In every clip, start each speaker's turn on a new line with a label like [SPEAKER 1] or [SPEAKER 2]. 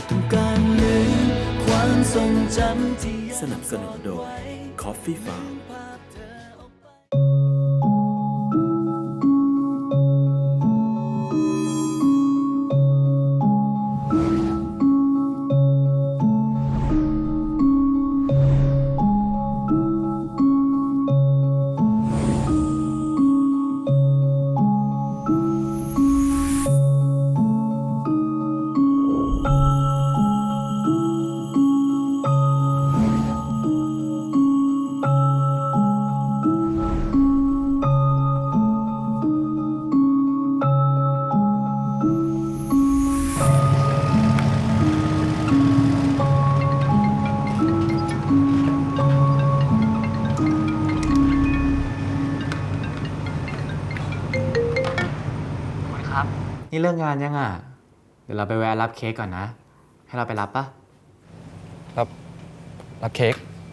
[SPEAKER 1] ต้องการลืมความทรงจำที่
[SPEAKER 2] สนับสนุนโดย Coffee Farm
[SPEAKER 3] นี่เลิกงานยังอ่ะ เดี๋ยวเราไปแวะรับเค้กก่อนนะ ให้เราไปรับปะ
[SPEAKER 4] รับเค้ก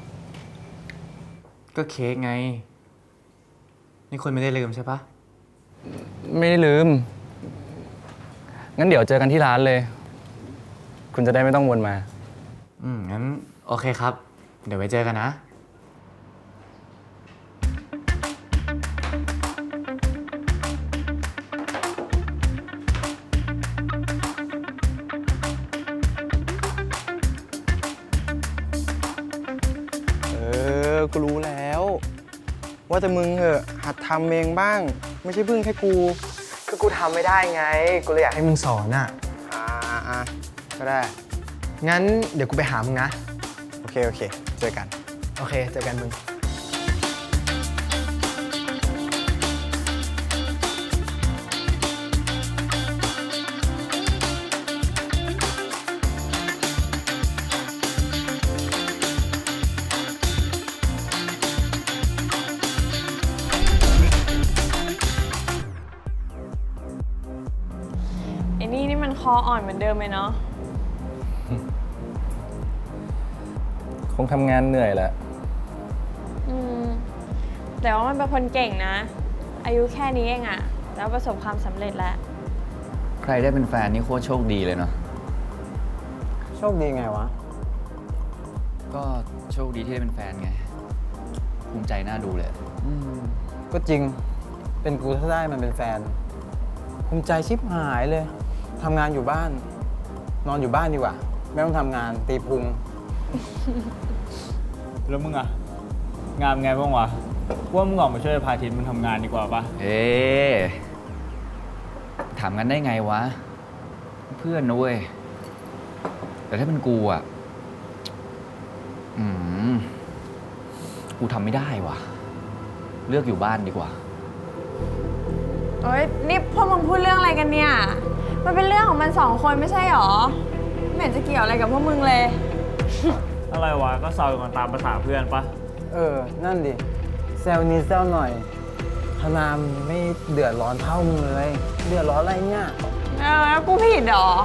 [SPEAKER 3] ก็เค้กไง นี่คุณไม่ได้ลืมใช่ปะ
[SPEAKER 4] ไม่ได้ลืม งั้นเดี๋ยวเจอกันที่ร้านเลย คุณจะได้ไม่ต้องวนมา
[SPEAKER 3] งั้นโอเคครับ เดี๋ยวไว้เจอกันนะ
[SPEAKER 4] กูรู้แล้ว ว่าแต่มึงเหอะหัดทำเองบ้าง ไม่ใช่พึ่งแค่กูคือกูทำไม่ได้ไง กูเลยอยากให้มึงสอนอ่ะก็ได้ งั้นเดี๋ยวกูไปหามึงนะ โอเคเจอกัน โอเค เจอกันมึง
[SPEAKER 5] ไอ้นี่มันคออ่อนเหมือนเดิมเลยเนาะ
[SPEAKER 4] คงทำงานเหนื่อยแหละ
[SPEAKER 5] แต่ว่ามันเป็นคนเก่งนะ อายุแค่นี้เองอะแล้วประสบความสำเร็จแล้ว
[SPEAKER 6] ใครได้เป็นแฟนนี่โคตรโชคดีเลยเนาะ
[SPEAKER 4] โชคดีไงวะ
[SPEAKER 6] ก็โชคดีที่ได้เป็นแฟนไง ภูมิใจน่าดูเลย
[SPEAKER 4] ก็จริง เป็นกูถ้าได้มันเป็นแฟน ภูมิใจชิบหายเลย ทำงานอยู่บ้าน นอนอยู่บ้านดีกว่า ไม่ต้องทำงานตีพุง
[SPEAKER 7] แล้วมึงอะงานไงบ้างวะว่ามึงออกมาช่วยพาทิตมึงทำงานดีกว่าปะ
[SPEAKER 6] เอ๊ะถามกันได้ไงวะ เพื่อนนะเว้ย แต่ถ้าเป็นกูอ่ะกูทำไม่ได้ว่ะ เลือกอยู่บ้านดีกว่า
[SPEAKER 5] โอ๊ยนี่พวกมึงพูดเรื่องอะไรกันเนี่ย มันเป็นเรื่องของมันสองคนไม่ใช่หรอ ไม่เห็นจะเกี่ยวอะไรกับพวกมึงเลย
[SPEAKER 7] อะไรวะก็เซากันตามภาษาเพื่อนปะ
[SPEAKER 4] นั่นดิแซวนิดแซวหน่อยธนามไม่เดือดร้อนเท่ามึงเลย เดือดร้อนอะไรเนี่ย
[SPEAKER 5] แล้วกูผิดเหรอ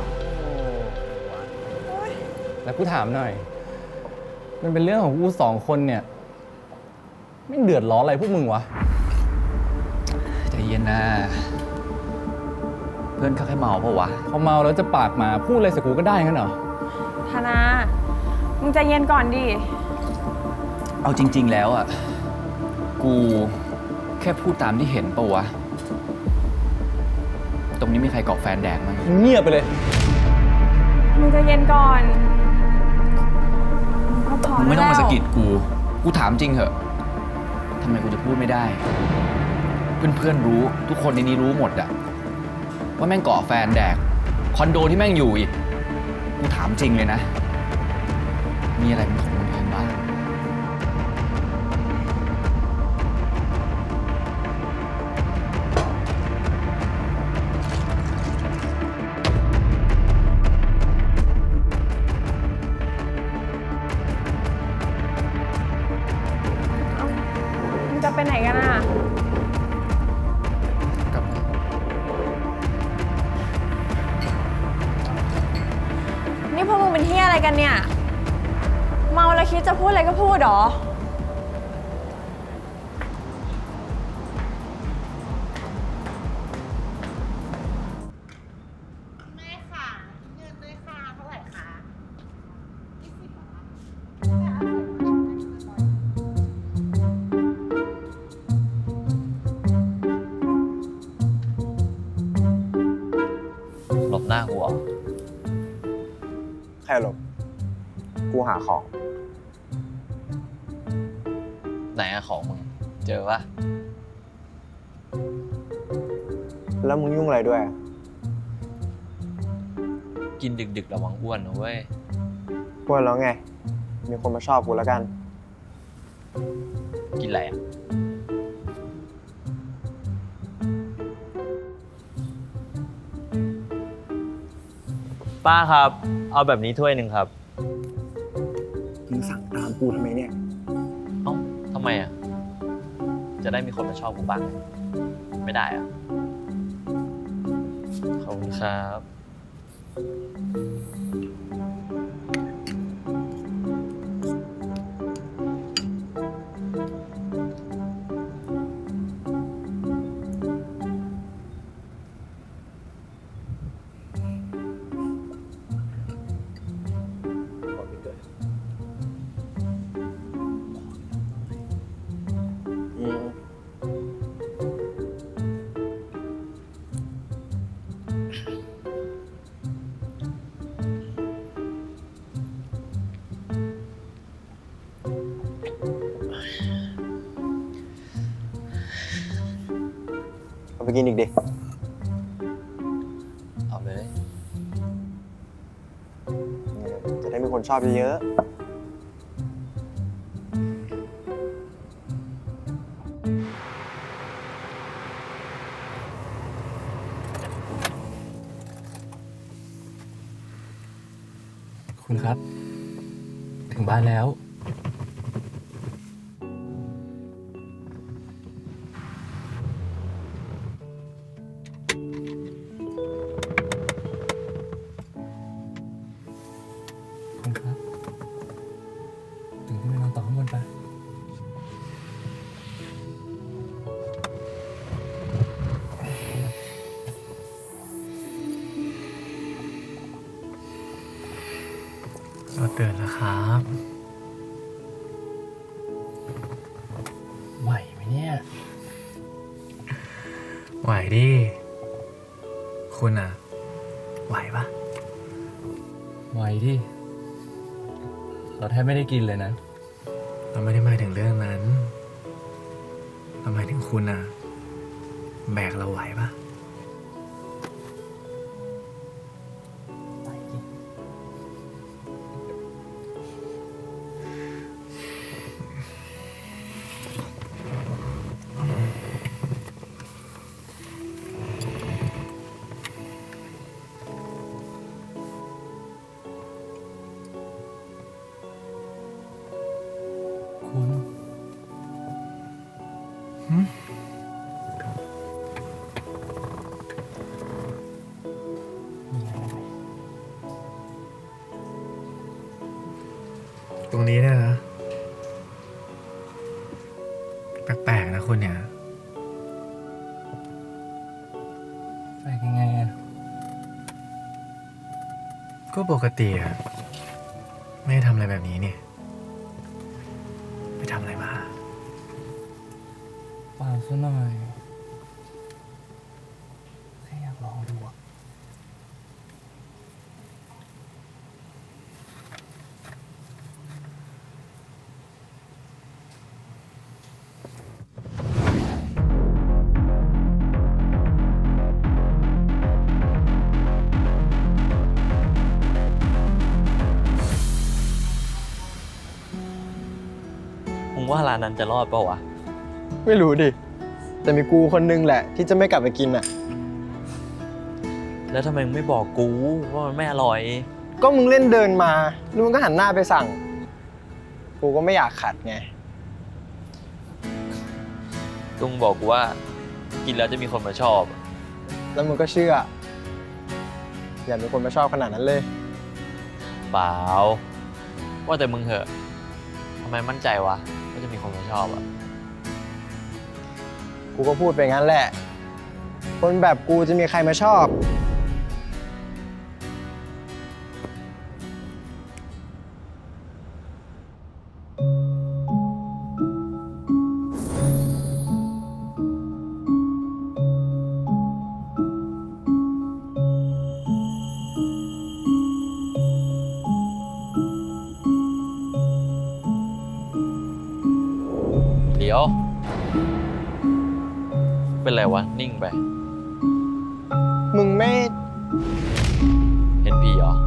[SPEAKER 4] แล้วกูถามหน่อย มันเป็นเรื่องของกูสองคนเนี่ย ไม่เดือดร้อนอะไรพวกมึงวะ
[SPEAKER 6] ใจเย็นนะ เพื่อนเขาแค่เมาเพราะวะ
[SPEAKER 4] พอเมาแล้วจะปากมาพูดอะไรใส่กูก็ได้งั้นเหรอ
[SPEAKER 5] ธนา มึงใจเย็นก่อนดิ
[SPEAKER 6] เอาจริง ๆ แล้วอ่ะ กูแค่พูดตามที่เห็นปะวะ ตรงนี้มีใครเกาะแฟนแดงมั้ง
[SPEAKER 4] เงียบไปเลย
[SPEAKER 5] มึงใจเย็นก่อนก็พอ
[SPEAKER 6] มึง
[SPEAKER 5] แล้ว
[SPEAKER 6] ไม่ต้องมาสะกิดกู กูถามจริงเหอะทำไมกูจะพูดไม่ได้ เพื่อนๆรู้ ทุกคนในนี้รู้หมดอะว่าแม่งเกาะแฟนแดก คอนโดที่แม่งอยู่อีก กูถามจริงเลยนะ มีอะไรเป็นของคนอื่นบ้าง
[SPEAKER 5] มึงจะไปไหนกันอ่ะ นี่พวกมึงเป็นเฮียอะไรกันเนี่ย เมาแล้วคิดจะพูดอะไรก็พูดเหรอ
[SPEAKER 8] แม่ค่ะเงินด้วยค่ะเท่าไหร่คะ
[SPEAKER 4] รหรอก กูหาของ
[SPEAKER 6] ไหนอะของมึง เจอปะ
[SPEAKER 4] แล้วมึงยุ่งอะไรด้วย
[SPEAKER 6] กินดึกๆระวังอ้วนนะเว้ย
[SPEAKER 4] พูดแล้วไง มีคนมาชอบกูแล้วกัน
[SPEAKER 6] กินอะไรอะ
[SPEAKER 7] ป้าครับ เอาแบบนี้ถ้วยหนึ่งครับ
[SPEAKER 4] มึงสั่งตามกูทำไมเนี่ย
[SPEAKER 6] เอ้าทำไมอะจะได้มีคนมาชอบกูบ้าง ไม่ได้อะขอบคุณครับ
[SPEAKER 4] อืม เอาไปกินอีกดิ
[SPEAKER 6] เอาเลย
[SPEAKER 4] จะได้มีคนชอบเยอะๆ
[SPEAKER 3] คุณครับ ถึงบ้านแล้ว คุณครับ ถึงที่ไปนอนต่อข้างบนไปะเราตื่นแล้วครับ ไหวไหมเนี่ย ไหวดิ คุณอ่ะ ไหวปะไหวดิ เราแทบไม่ได้กินเลยนะ เราไม่ได้หมายถึงเรื่องนั้น เราหมายถึงคุณอ่ะ แบกเราไหวปะไหวดิ คุณตรงนี้เนี่ยนะ แปลกๆนะคุณเนี่ย แปลกยังไงอะก็ปกติอะไม่ได้ทำอะไรแบบนี้เนี่ย ไปทำอะไรมาเปล่าซะหน่อยแค่อยากลองดูอะ
[SPEAKER 6] มึงว่าร้านนั้นจะรอดเปล่าวะ
[SPEAKER 4] ไม่รู้ดิ แต่มีกูคนนึงแหละ ที่จะไม่กลับไปกินอ่ะ
[SPEAKER 6] แล้วทำไมมึงไม่บอกกูว่ามันไม่อร่อย
[SPEAKER 4] ก็มึงเล่นเดินมาแล้วมึงก็หันหน้าไปสั่ง กูก็ไม่อยากขัดไง
[SPEAKER 6] ลุงบอกกูว่า กินแล้วจะมีคนมาชอบ
[SPEAKER 4] แล้วมึงก็เชื่อ อย่ามีคนมาชอบขนาดนั้นเลย
[SPEAKER 6] เปล่า ว่าแต่มึงเหอะทำไมมั่นใจวะว่าจะมีคนมาชอบอะ
[SPEAKER 4] กูก็พูดไปงั้นแหละ คนแบบกูจะมีใครมาชอบ
[SPEAKER 6] เป็นไรวะ นิ่งไป
[SPEAKER 4] มึงไม่
[SPEAKER 6] เห็นผีเหรอ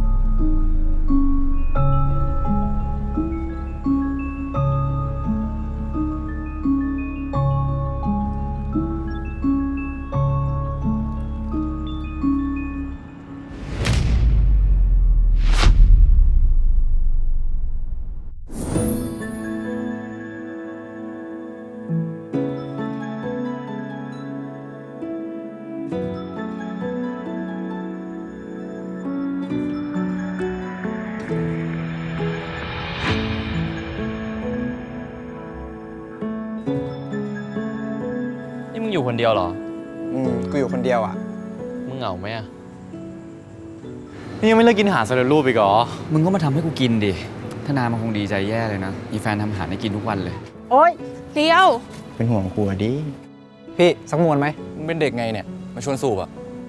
[SPEAKER 6] นี่มึงอยู่คนเดียวเหรอ
[SPEAKER 4] กูอยู่คนเดียวอ่ะ
[SPEAKER 6] มึงเหงาไหมอะนี่ยังไม่เลิกกินอาหารสำเร็จรูปอีกเหรอ มึงก็มาทำให้กูกินดิถ้านายมันคงดีใจแย่เลยนะ มีแฟนทำอาหารให้กินทุกวันเลย
[SPEAKER 4] โอ๊ย
[SPEAKER 5] เดียว
[SPEAKER 4] เป็นห่วงกูอะดิ
[SPEAKER 8] พี่สักมวนไหม
[SPEAKER 6] มึงเป็นเด็กไงเนี่ย มาชวนสูบอะ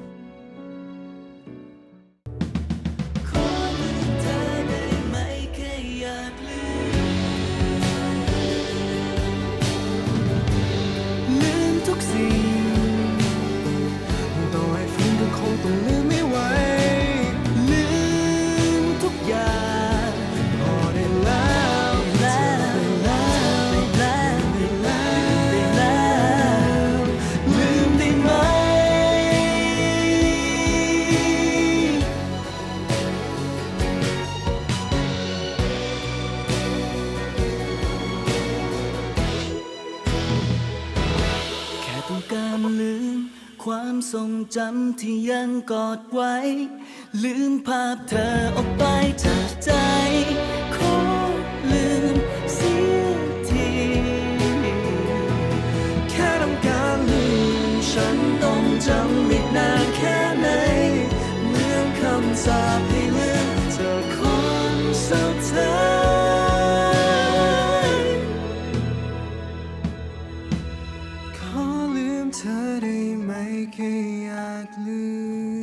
[SPEAKER 1] ลืมทุกสิ่งต่อให้ฟื้นก็คงต้องลืมไม่ไหวลืมทุกอย่างพอได้แล้วลืมได้ไหมแค่ต้องการลืมความทรงจำที่ยังกอดไว้ ลืมภาพเธอออกไปจากใจ ขอลืมเสียทีแค่ต้องการลืมฉันต้องจำอีกนานแค่ไหนเหมือนคำสาปให้ลืมเธอคนสุดท้ายขอลืมเธอได้ไหมแค่อยากลืม